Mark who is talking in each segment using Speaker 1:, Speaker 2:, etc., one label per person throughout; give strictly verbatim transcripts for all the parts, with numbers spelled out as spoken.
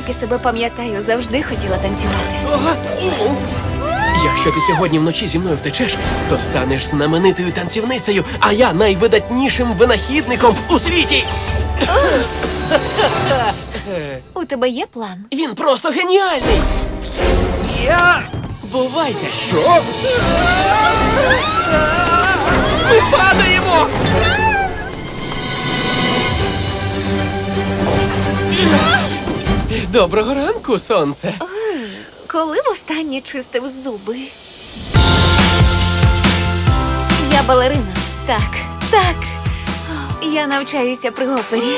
Speaker 1: Скільки себе пам'ятаю, завжди хотіла танцювати.
Speaker 2: Якщо ти сьогодні вночі зі мною втечеш, то станеш знаменитою танцівницею, а я найвидатнішим винахідником у світі.
Speaker 1: У тебе є план?
Speaker 2: Він просто геніальний. Я... Бувайте.
Speaker 3: Що?
Speaker 2: Ми падаємо! Доброго ранку, сонце.
Speaker 1: Коли востаннє чистив зуби? Я балерина. Так, так. Я навчаюся при опері.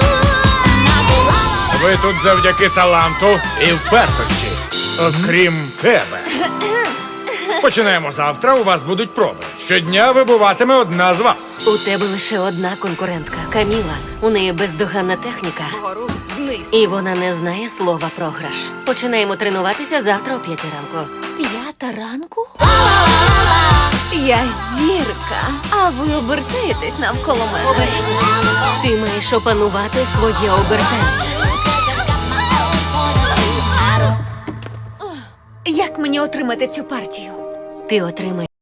Speaker 3: Ви тут завдяки таланту і впертості. Окрім тебе. Починаємо завтра, у вас будуть проби. Щодня вибуватиме одна з вас.
Speaker 4: У тебе лише одна конкурентка – Каміла. У неї бездоганна техніка. І вона не знає слова програш. Починаємо тренуватися завтра о п'ятій ранку.
Speaker 1: П'ята ранку? Я зірка, а ви обертаєтесь навколо мене.
Speaker 4: Ти маєш опанувати своє обертання.
Speaker 1: Як мені отримати цю партію?
Speaker 4: Ти отримаєш